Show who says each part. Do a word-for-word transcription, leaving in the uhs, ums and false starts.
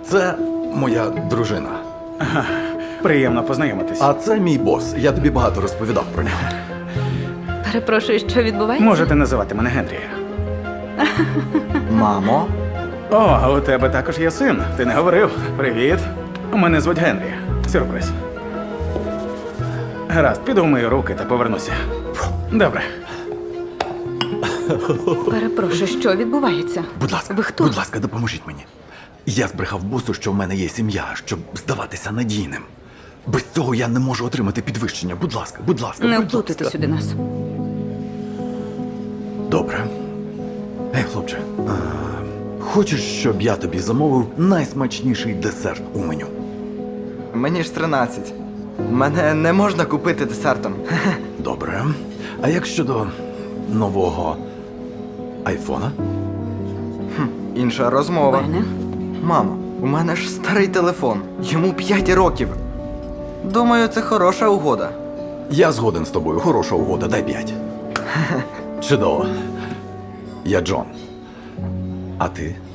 Speaker 1: Це моя дружина.
Speaker 2: Приємно познайомитись.
Speaker 1: А це мій бос. Я тобі багато розповідав про нього.
Speaker 3: Перепрошую, що відбувається?
Speaker 2: Можете називати мене Генрі.
Speaker 1: Мамо?
Speaker 2: О, а у тебе також є син. Ти не говорив. Привіт. Мене звуть Генрі. Сюрприз. Гаразд, піду вмию руки та повернуся. Добре.
Speaker 3: Перепрошую, що відбувається?
Speaker 1: Будь ласка,
Speaker 3: Ви хто?
Speaker 1: будь ласка, допоможіть мені. Я збрехав босу, що в мене є сім'я, щоб здаватися надійним. Без цього я не можу отримати підвищення. Будь ласка, будь ласка,
Speaker 3: Не
Speaker 1: будь
Speaker 3: вплутайте
Speaker 1: ласка.
Speaker 3: сюди нас.
Speaker 1: Добре. Ей, хлопче, а, хочеш, щоб я тобі замовив найсмачніший десерт у меню?
Speaker 4: Мені ж тринадцять. Мене не можна купити десертом.
Speaker 1: Добре. А як щодо нового айфона?
Speaker 4: Інша розмова.
Speaker 3: Бене?
Speaker 4: Мамо, у мене ж старий телефон. Йому п'ять років. Думаю, це хороша угода.
Speaker 1: Я згоден з тобою. Хороша угода, дай п'ять. Чудово. Я Джон. А ти?